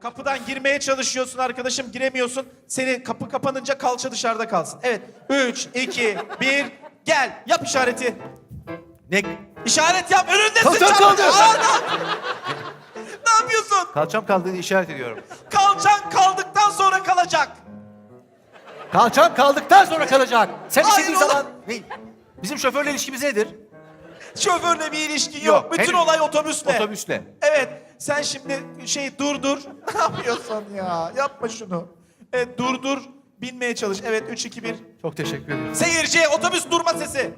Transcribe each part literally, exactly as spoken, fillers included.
Kapıdan girmeye çalışıyorsun arkadaşım, giremiyorsun. Seni kapı kapanınca kalça dışarıda kalsın. Evet. Üç, iki, bir, gel. Yap işareti. Ne? İşaret yap. Önündesin. Kalçam çabuk. kaldı. Aa, ne yap- ne yapıyorsun? Kalçam kaldığını işaret ediyorum. Kalçan kaldıktan sonra kalacak. Kalçam kaldıktan sonra kalacak. Sen Hayır istediğin oğlum. zaman... Ne? Bizim şoförle ilişkimiz nedir? Şoförle bir ilişkin yok. Yok, Bütün henüz. olay otobüsle. Otobüsle. Evet. Sen şimdi şey durdur. Ne yapıyorsun ya? Yapma şunu. Evet durdur. Binmeye çalış. Evet üç, iki, bir. Çok teşekkür ederim. Seyirci otobüs durma sesi.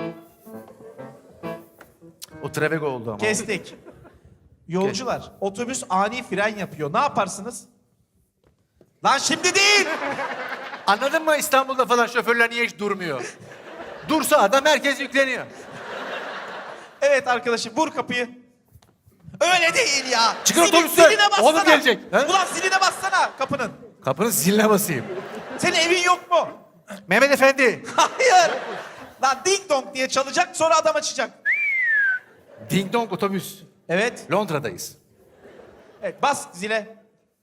O Travego oldu ama. Kestik. Yolcular, otobüs ani fren yapıyor. Ne yaparsınız? Lan şimdi değil. Anladın mı İstanbul'da falan şoförler niye hiç durmuyor? Dursa adam herkes yükleniyor. Evet arkadaşım vur kapıyı. Öyle değil ya. Çıkın Zili- otobüsten. ziline bassana. Oğlum gelecek. He? Ulan ziline bassana kapının. Kapının ziline basayım. Senin evin yok mu? Mehmet Efendi. Hayır. Lan ding dong diye çalacak sonra adam açacak. Ding dong otobüs. Evet. Londra'dayız. Evet bas zile.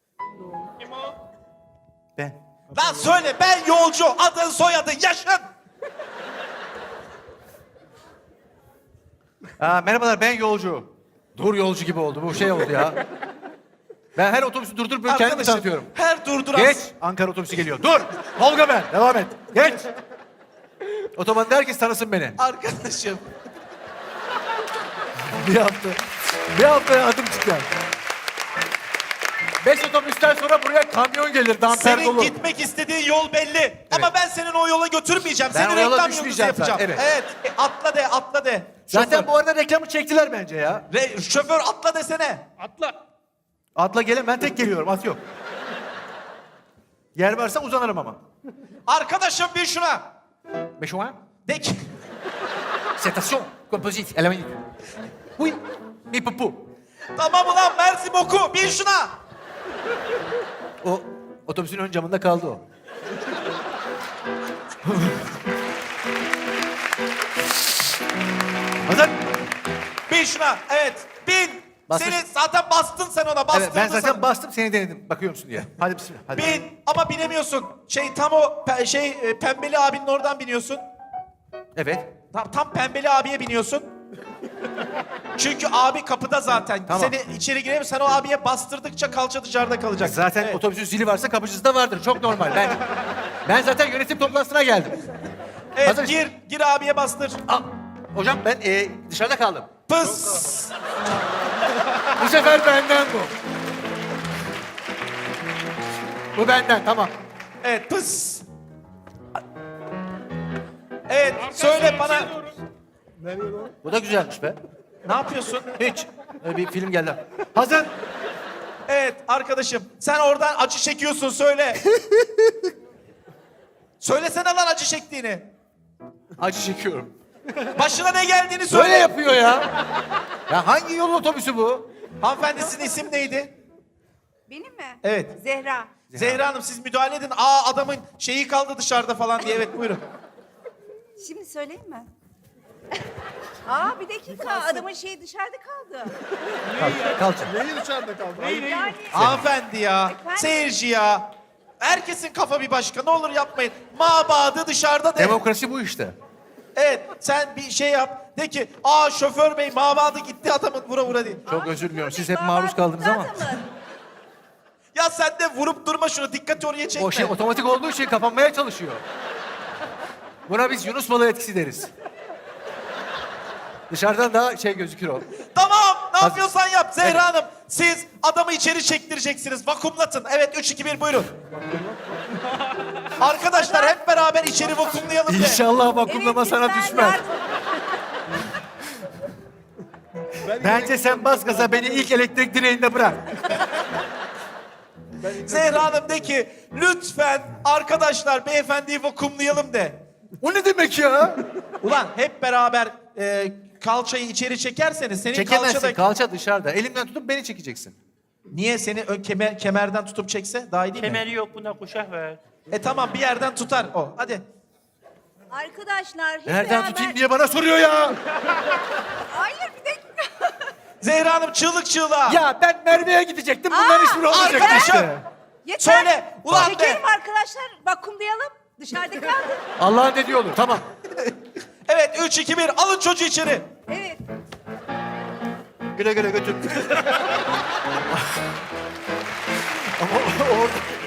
Ben. Lan söyle ben yolcu. Adın soyadın yaşın. Aa, merhabalar ben yolcu. Dur yolcu gibi oldu bu şey oldu ya. Ben her otobüsü durdurup böyle kendimi Arkadaşım, tanıtıyorum. her durduran... Geç. Ankara otobüsü geliyor. Dur. Tolga ben. Devam et. Geç. Otobanda herkes tanısın beni. Arkadaşım. Bir hafta. Bir haftaya adım çıkar. Beş otobüsten sonra buraya kamyon gelir. Damper Senin dolu. gitmek istediğin yol belli. Ama ben senin o yola götürmeyeceğim. Ben Seni o yola reklam yıldızı düşmeyeceğim yapacağım. zaten, Evet. E, atla de, atla de. Zaten Şoför. bu arada reklamı çektiler bence ya. Re- şoför atla desene. Atla gelin ben tek geliyorum at yok. Yer varsa uzanırım ama. Arkadaşım bir şuna. Beşoğan. De ki. Setasyon. Kompozit. Element. Oui. Mi pupu. Tamam ulan Mersi boku. Bir şuna. O otobüsün ön camında kaldı o. Hazır. Bir şuna. Evet. Bin. Bastır. Seni zaten bastın sen ona. Bastırdın Evet, ben zaten sana. bastım seni denedim. Bakıyor musun diye. Hadi bismillah. Hadi. Bin. Ama binemiyorsun. Şey tam o pe- şey e, pembeli abinin oradan biniyorsun. Evet. Tam, tam pembeli abiye biniyorsun. Çünkü abi kapıda zaten. Tamam. Seni içeri giremiyor. Sen o abiye bastırdıkça kalça dışarıda kalacak. Zaten Evet. otobüsün zili varsa kapıcısı da vardır. Çok normal. Ben ben zaten yönetim toplantısına geldim. Evet Hazır. gir. Gir abiye bastır. Aa, hocam ben e, dışarıda kaldım. Pıs. Bu sefer benden bu. Bu benden tamam. Evet pıs. Evet söyle bana. Bu da güzelmiş be. Ne yapıyorsun? Hiç. Öyle bir film geldi. Hazır. Evet arkadaşım sen oradan acı çekiyorsun söyle. Söylesene lan acı çektiğini. Acı çekiyorum. Başına ne geldiğini söyle. Böyle yapıyor ya. Ya hangi yol otobüsü bu? Hanımefendi sizin isim neydi? Benim mi? Evet. Zehra. Zehra Hanım siz müdahale edin. Aa adamın şeyi kaldı dışarıda falan diye. Evet buyurun. Şimdi söyleyeyim mi? Aa bir dakika adamın şeyi dışarıda kaldı. Kalça. Yani Hanımefendi ya. Efendim? Seyirci ya. Herkesin kafa bir başka. Ne olur yapmayın. Mabadı dışarıda de. Demokrasi bu işte. Evet sen bir şey yap. De ki aa şoför bey mabadı gitti adamın vura vura diye. Çok özür diliyorum. Siz hep maruz kaldınız ama. Ya sen de vurup durma şunu. Dikkati oraya çekme. O şey otomatik olduğu için kapanmaya çalışıyor. Buna biz Yunus balığı etkisi deriz. Dışarıdan daha şey gözükür o. Tamam ne Hadi. yapıyorsan yap Zehra Evet. Hanım. Siz adamı içeri çektireceksiniz. Vakumlatın. Evet üç iki bir buyurun. Arkadaşlar hep beraber içeri vakumlayalım de. İnşallah vakumlama sana düşmez. Bence sen bas gaza beni ilk elektrik direğinde bırak. Zehra Hanım de ki lütfen arkadaşlar beyefendiyi vakumlayalım de. O ne demek ya? Ulan hep beraber e, kalçayı içeri çekerseniz senin Çekemezsin. kalçada... Kalça dışarıda. Elimden tutup beni çekeceksin. Niye seni ön kemer, kemerden tutup çekse daha iyi değil mi? Kemeri yok buna kuşak ver. E tamam bir yerden tutar o. Hadi. Arkadaşlar hep Nereden beraber... tutayım diye bana soruyor ya. Hayır bir dakika. Zehra Hanım çığlık çığlığa. Ya ben Merve'ye gidecektim. Bunların Aa, hiçbiri olmayacak arkadaşım. işte. Yeter. Söyle, ulan de. Çekelim arkadaşlar. Vakumlayalım. Dışarıda kaldı. Allah'ın dediği olur. Tamam. Evet üç, iki, bir alın çocuğu içeri. Evet. Güle güle götür. Ama orada